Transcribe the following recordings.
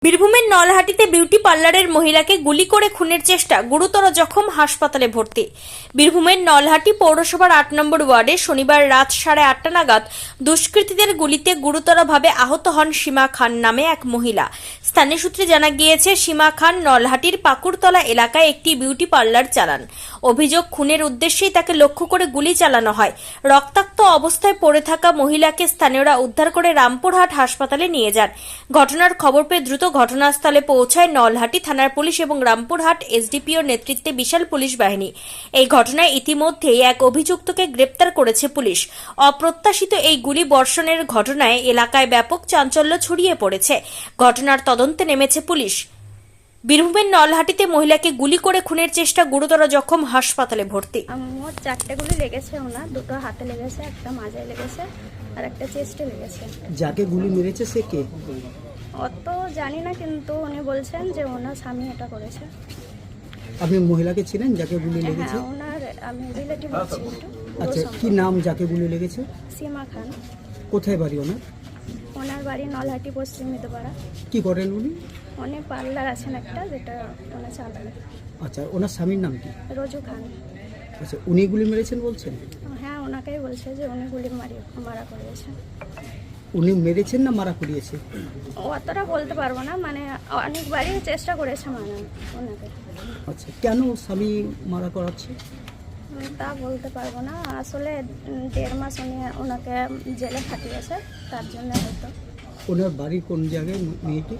বীরভূমের নলহাটিতে বিউটি পার্লারের মহিলাকে গুলি করে খুনের চেষ্টা, গুরুতর জখম, হাসপাতালে ভর্তি। বীরভূমের নলহাটি পৌরসভার ৮ নম্বর ওয়ার্ডে শনিবার রাত 8:30 নাগাদ দুষ্কৃতীদের গুলিতে গুরুতরভাবে আহত হন সীমা খান নামে এক মহিলা। স্থানীয় সূত্রে জানা গিয়েছে, সীমা খান নলহাটির পাকুড়তলা এলাকায় একটি বিউটি পার্লার চালান। অভিযোগ, খুনের উদ্দেশ্যেই তাকে লক্ষ্য করে গুলি চালানো হয়। রক্তাক্ত অবস্থায় পড়ে থাকা মহিলাকে স্থানীয়রা উদ্ধার করে রামপুরহাট হাসপাতালে নিয়ে যান। ঘটনার খবর পেয়ে দ্রুত ঘটনাস্থলে পৌঁছায় নলহাটি থানার পুলিশ এবং রামপুরহাট এসডিপিওর নেতৃত্বে বিশাল পুলিশ বাহিনী। এই ঘটনায় ইতিমধ্যেই এক অভিযুক্তকে গ্রেপ্তার করেছে পুলিশ। অপ্রত্যাশিত এই গুলি বর্ষণের ঘটনায় এলাকায় ব্যাপক চাঞ্চল্য ছড়িয়ে পড়েছে। ঘটনার তদন্তে নেমেছে পুলিশ। বীরভূমের নলহাটিতে মহিলাকে গুলি করে খুনের চেষ্টা, গুরুতর জখম, হাসপাতালে ভর্তি। মোট 4টে গুলি লেগেছে ওনার, দুটো হাতে লেগেছে, একটা মাজায় লেগেছে আর একটা চেস্টে লেগেছে। যাকে গুলি মেরেছে সে কে? অত জানি না, কিন্তু উনি বলছেন যে ওনার স্বামী এটা করেছে। আপনি মহিলাকে ছিলেন যাকে গুলি লেগেছে? হ্যাঁ, ওনার আমি রিলেটিভ আছি। আচ্ছা, কি নাম যাকে গুলি লেগেছে? সীমা খান। কোথায় বাড়ি ওনার? ওনার বাড়ি নলহাটি, পশ্চিম মিদপাড়া। কি করেন উনি? উনি পার্লার আছেন একটা, যেটা ওনার চালান। আচ্ছা, ওনার স্বামীর নাম কি? রোজু খান। আচ্ছা, উনি গুলি মেরেছেন বলছেন? হ্যাঁ, ওনাকেই বলছে যে উনি গুলি মারা করিয়েছে। উনি মেরেছেন না মারা করিয়েছে? অতটা বলতে পারবো না, মানে অনেকবারই চেষ্টা করেছে ওনাকে। আচ্ছা, কেন স্বামী মারা করাচ্ছে? তা বলতে পারবো না, আসলে 1.5 মাস ওনাকে জেলে খাটিয়েছে, তার জন্য হয়তো। ওনার বাড়ি কোন জায়গায় মেয়েটি?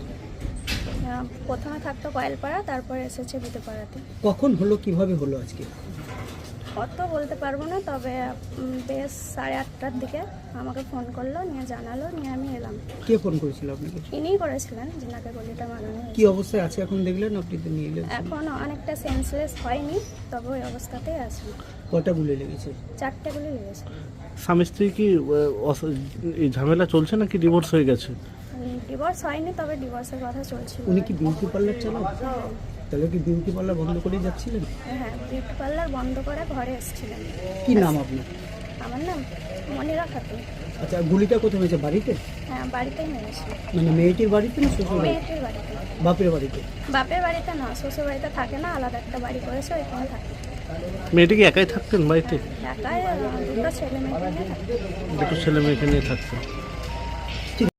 প্রথমে থাকতো কয়েলপাড়া, তারপরে এসেছে বিদেপাড়াতে। কখন হলো, কিভাবে হলো আজকে? অত বলতে পারবো না, তবে বেশ 8:30টার দিকে আমাকে ফোন করলো, নিয়ে জানালো, নিয়ে আমি এলাম। কে ফোন করেছিল আপনাকে? ইনিই করেছিলেন, যিনাকে গলিটা মারানো হয়েছে। কি অবস্থায় আছে এখন দেখলেন? আপনি তো নিয়ে এলেন। এখন অনেকটা সেন্সলেস হয়নি, তবে ওই অবস্থাতেই আছে। কটা গুলি লেগেছে? 4টে গুলি লেগেছে। স্বামী স্ত্রী কি এই ঝামেলা চলছে নাকি ডিভোর্স হয়ে গেছে? ডিভোর্স হয়নি, তবে ডিভোর্সের কথা চলছিল। উনি কি বিউটি পার্লার চালান? তাহলে কি বিউটি পার্লার বন্ধ করে যাচ্ছিলেন? হ্যাঁ, বিউটি পার্লার বন্ধ করে ঘরে এসেছিলেন। কি নাম আপনার? আমার নাম মনিরা খাতুন। আচ্ছা, গুলিটা কোথায় মেরেছে? বাড়িতে? হ্যাঁ, বাড়িতেই মেরেছে। মানে মেয়েটির বাড়িতে না শ্বশুর বাড়িতে? মেয়েটির বাড়িতে। বাপের বাড়িতে? বাপের বাড়িতে না, শ্বশুর বাড়িতে থাকে না, আলাদা একটা বাড়ি করেছে, ওইখানে থাকে। মেয়েটি কি একাই থাকতেন বাড়িতে? একাই, দুটো ছেলে মেয়েকে নিয়ে থাকে। দুটো ছেলে মেয়েকে নিয়ে থাকতেন।